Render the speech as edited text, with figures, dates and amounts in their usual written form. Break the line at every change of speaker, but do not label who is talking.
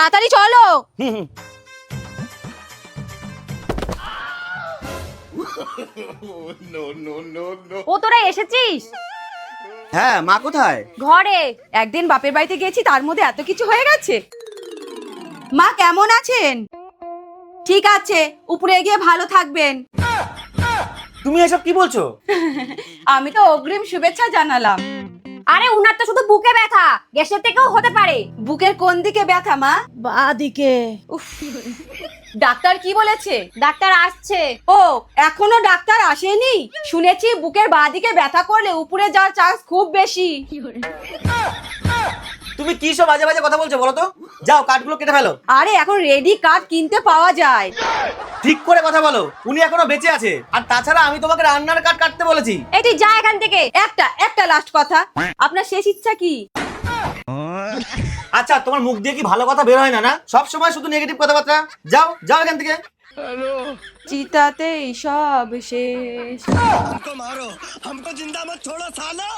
তাড়াতাড়ি চলো। ও তোরা এসেছিস?
হ্যাঁ, মা কোথায়?
ঘরে। একদিন বাপের বাড়িতে গেছি, তার মধ্যে এত কিছু হয়ে গেছে। মা কেমন আছেন? ঠিক আছে, উপরে গিয়ে ভালো থাকবেন।
তুমি এসব কি বলছো?
আমি তো অগ্রিম শুভেচ্ছা জানালাম।
আরে উনার তো শুধু বুকে ব্যথা, গ্যাসের থেকেও হতে পারে।
বুকের কোন দিকে ব্যথা মা?
বাঁ দিকে।
উফ, ডাক্তার কি বলেছে?
ডাক্তার আসছে।
ও, এখনো ডাক্তার আসেনি? শুনেছি বুকের বাঁদিকে ব্যথা করলে উপরে যাওয়ার চান্স খুব বেশি।
তুমি কি সব বাজে বাজে কথা বলছো বলো তো? যাও কাঠগুলো কেটে ফেলো।
আরে এখন রেডি কাঠ কিনতে পাওয়া যায়।
ঠিক করে কথা বলো, উনি এখনো বেঁচে আছে। আর তাছাড়া আমি তোমাকে রান্নার কাঠ কাটতে বলেছি।
এই তুই যা এখান থেকে।
একটা লাস্ট কথা, আপনার শেষ ইচ্ছা কি?
আচ্ছা, তোমার মুখ দিয়ে কি ভালো কথা বের হয় না? না, সব সময় শুধু নেগেটিভ কথাবার্তা। যাও যাও এখান থেকে।
চিতাতেই সব শেষ।
हमको मारो, हमको जिंदा मत छोड़ो सालो।